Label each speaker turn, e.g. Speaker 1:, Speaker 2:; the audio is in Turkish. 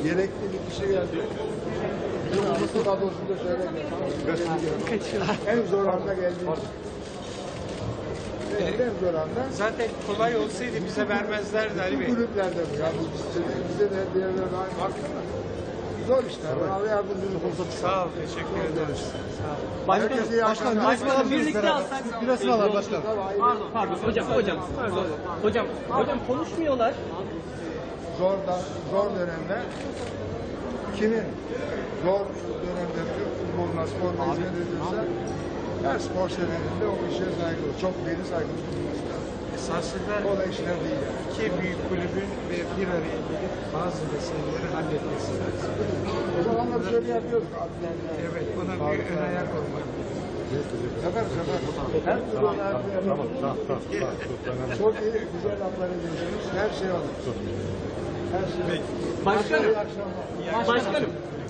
Speaker 1: Gerekli bir kişi geldi. Bizim olması kadrosunda söylemiyorum. En zor anda geldi. En zor anda.
Speaker 2: Zaten kolay olsaydı bize vermezlerdi Ali Bey.
Speaker 1: Bu kulüplerde bu ya. Bize de bir yerlerde aynı hakkı var. Zor işler. Allah yardımcınız olsun.
Speaker 2: Sağ ol, teşekkür ederiz. Sağ ol.
Speaker 3: Başkanım birlikte alsak.
Speaker 4: Biraz sıralar başkanım.
Speaker 3: Pardon hocam konuşmuyorlar.
Speaker 1: Zor dönemde kimin zor dönemde Türk futboluna, sporuna hizmet ediyorsa her spor severinde o işe saygılı, çok deli saygılı bulunması lazım.
Speaker 2: Esasında
Speaker 1: Kolay işler değil yani.
Speaker 2: iki büyük kulübün ve bir araya gelip bazı meseleleri halletmesi lazım.
Speaker 1: O zamanlar şöyle yapıyorduk.
Speaker 2: Evet, buna bir ön ayak olmak.
Speaker 1: Sefer. Her türlü yapıyoruz. Çok iyi, güzel laflar ediyorsunuz. Her şey olur. Her şey olur.
Speaker 3: Başkanım.
Speaker 1: İyi akşamlar.
Speaker 3: Başkanım.